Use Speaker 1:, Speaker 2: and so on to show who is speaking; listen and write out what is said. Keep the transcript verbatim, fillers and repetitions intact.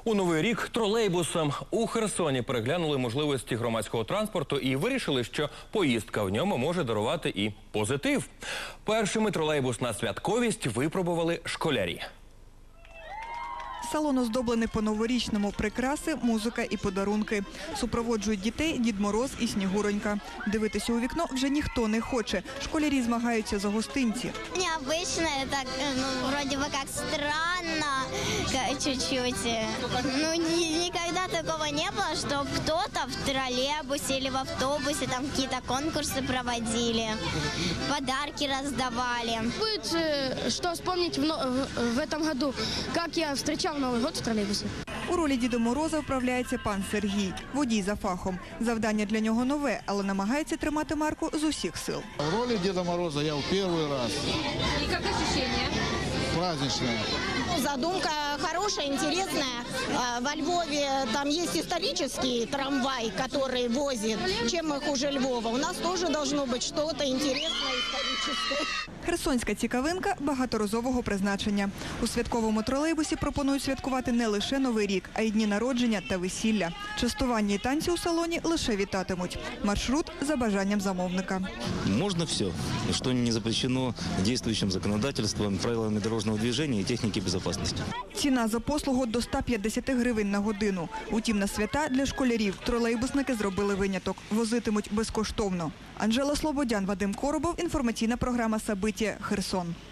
Speaker 1: У Новий рік тролейбусом у Херсоні переглянули можливості громадського транспорту і вирішили, що поїздка в ньому може дарувати і позитив. Першими тролейбус на святковість випробували школярі.
Speaker 2: Салон оздоблений по-новорічному. Прикраси, музика і подарунки. Супроводжують дітей Дід Мороз і Снігуронька. Дивитися у вікно вже ніхто не хоче. Школярі змагаються за гостинці.
Speaker 3: Необычно, так, ну, вроде бы как странно, чуть-чуть. Ну, ни- никогда такого не было, что кто-то в троллейбусе или в автобусе там какие-то конкурсы проводили, подарки раздавали.
Speaker 4: Будет э, что вспомнить в, но- в- в этом году, как я встречал Новый год в троллейбусе.
Speaker 2: У ролі Діда Мороза вправляється пан Сергій, водій за фахом. Завдання для нього нове, але намагається тримати марку з усіх сил.
Speaker 5: В роли Деда Мороза я в первый раз.
Speaker 6: И как ощущения?
Speaker 5: Праздничная.
Speaker 7: Задумка хорошая, интересная. А, Во Львове там есть исторический трамвай, который возит. Чем их хуже Львова? У нас тоже должно быть что-то интересное историческое.
Speaker 2: Херсонська цікавинка багаторазового призначення. У святковому тролейбусі пропонують святкувати не лише Новий рік, а й дні народження та весілля. Частування і танці у салоні лише вітатимуть. Маршрут за бажанням замовника.
Speaker 8: Можно все, что не запрещено действующим законодательством, правилами дорожного движения и техники безопасности.
Speaker 2: Ціна за послугу до ста п'ятдесяти гривень на годину. Утім, на свята для школярів тролейбусники зробили виняток. Возитимуть безкоштовно. Анжела Слободян, Вадим Коробов. Інформаційна програма «Сабиття. Херсон».